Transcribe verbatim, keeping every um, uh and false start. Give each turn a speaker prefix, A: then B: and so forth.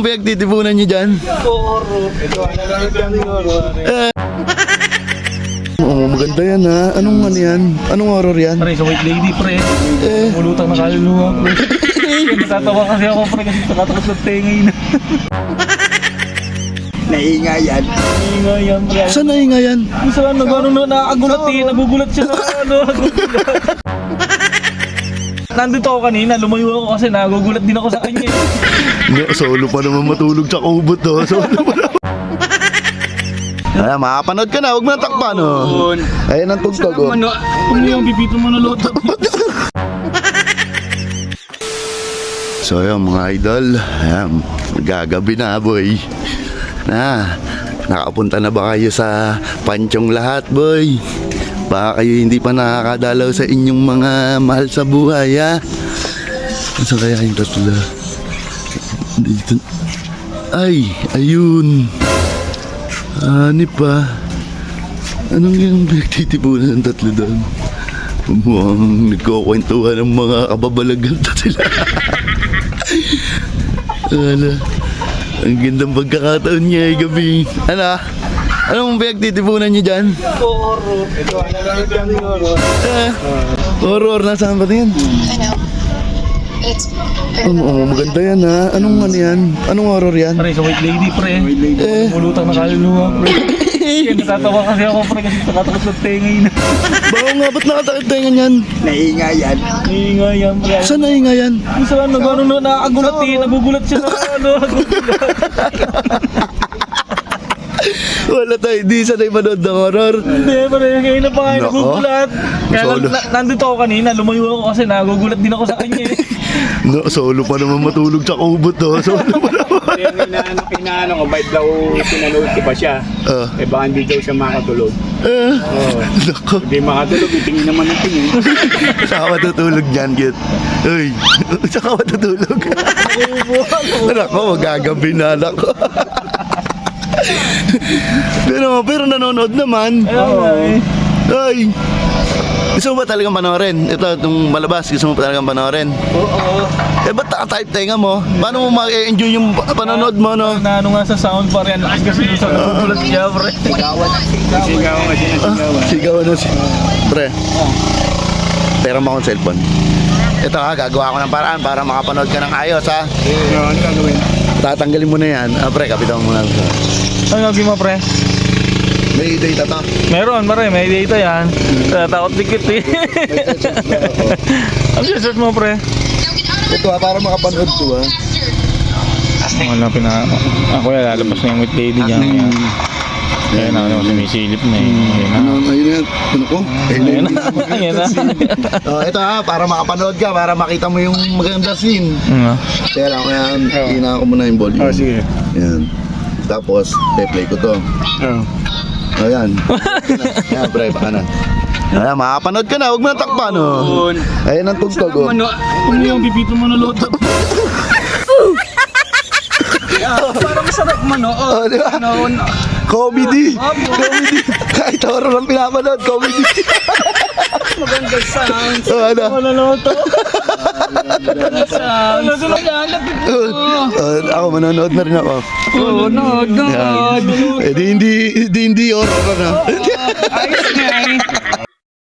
A: pinagtitipunan nyo dyan?
B: Horror. Ito, ano lang yung horror.
A: Eh. Oo, maganda yan ha. Anong ano yan? Anong horror yan?
B: Pre, sa White Lady, pre.
A: Eh.
B: Mulutang na kaluluwa, pre. Natatawa kasi ako, pre, kasi nakatakot ng tengay na.
C: Naingay yan.
B: Ingay yan, pre.
A: Saan nahinga yan?
B: Kung saan, nag-ano na, nakagulat eh. Nagugulat siya na, ano, nagugulat. Nandito ako kanina, lumayo ako kasi nagugulat din ako sa kanya.
A: Hindi, solo pa naman matulog sa kubot to. Solo pa naman. Ay, makapanood ka na, huwag mo na takpan oh. Ayun ang tugtog oh.
B: Kung yung bibito mo na loob.
A: So yun mga idol, ayan, gagabi na boy. Na, nakapunta na ba kayo sa Panchong lahat boy? Baka kayo hindi pa nakakadalaw sa inyong mga mahal sa buhay ha? Saan kaya yung tatlo? Dito. Ay, ayun. Hanip pa. Anong yung pinagtitipunan ng tatlo doon? Mukhang nagkukwentuhan ng mga kababalagan na sila. Ano? Ang gandang pagkakataon niya ay gabi. Ano? Anong pinagtitipunan niyo dyan?
B: Horror. Ito, ano lang yung horror.
A: Eh, horror. Nasaan ba yan?
D: I know. It's
A: Oo, oh, maganda yan ha. Anong ano yan? Anong horror yan?
B: Pre, sa White Lady, pre.
A: Eh.
B: Mulutang na kaluluwa, pre. Natatawa kasi ako, pre, kasi nakatakot ng tengay na.
A: Baka nga, ba't nakatakit tayo yan?
C: Naingay yan.
B: Ingay yan, pre.
A: Saan nahinga yan?
B: Kung saan, nag-ano na, nakagulat eh. Nagugulat siya na, ano, nagugulat.
A: Wala tayo, di sanay manood ng horror.
B: Hindi, pre, ngayon na pa kayo
A: Nako.
B: nagugulat. Kaya
A: Solo.
B: nan- na- nandito ako kanina, lumayo ako kasi nagugulat din ako sa kanya.
A: No, solo pa naman matulog sa kubot to. Solo pa naman.
C: Yung inaano, inaano ko, ba't daw pinanood ko pa siya?
A: Ah.
C: Eh baka hindi daw siya makatulog.
A: Eh,
C: Oo.
A: nako.
C: Hindi makatulog, itingin naman ang tingin.
A: Saka matutulog dyan, Git. Uy, saka matutulog. Nako, magagabi na, nako. pero, pero nanonood naman.
B: Ayun nga eh.
A: Ay, gusto mo ba talagang panoorin? Ito, itong malabas, gusto mo ba talagang panoorin?
B: Oo.
A: Eh, ba't naka-type tenga mo? Paano mo ma-enjoy yung panonood mo, no?
B: Na ano nga sa sound pa rin. Kasi doon sa nagugulat siya, pre.
C: Sigawan nga siya na sigawan.
A: Sigaw na si... Pre, pera mo akong cellphone. Ito ha, gagawa ko ng paraan para makapanood ka ng ayos ha.
C: Ano ano gagawin?
A: Tatanggalin mo na yan. Ah, pre, kapitan mo muna.
B: Ano gagawin mo, pre?
A: May data to.
B: Meron, pre. May data yan. Takot dikit eh. Ang search mo, pre?
A: Ito ha, para makapanood ko ha.
B: Wala pina... Ako yan, lalabas na yung with lady niya. Kaya na, ano, sumisilip na eh. Ayun na.
A: Ano, ayun yan. Ano ko?
B: Ayun na. Ayun na.
A: Oh, ito ha, para makapanood ka, para makita mo yung maganda scene.
B: Ano?
A: Kaya lang, kaya hina ko muna yung volume.
C: Oh, sige.
A: Yan. Tapos, play ko to.
C: Oo.
A: Ayan. Ayan, pre, baka na. Ayan, makapanood ka na, huwag mo na takpan, oh. Ayan ang tugtog, oh.
B: Kung yung bibito mo na loob. Parang masarap manood.
A: Oh, di ba? Comedy! Comedy! Kahit horror ang pinapanood, comedy!
B: Maganda sound.
A: Oh, ano?
B: Wala naman to. Maganda sound. Ano sila yan?
A: Oh, ako, manonood na rin ako.
B: Oo, nood,
A: Yan. Eh, di hindi, di hindi horror, ano?
B: Ayos nga eh.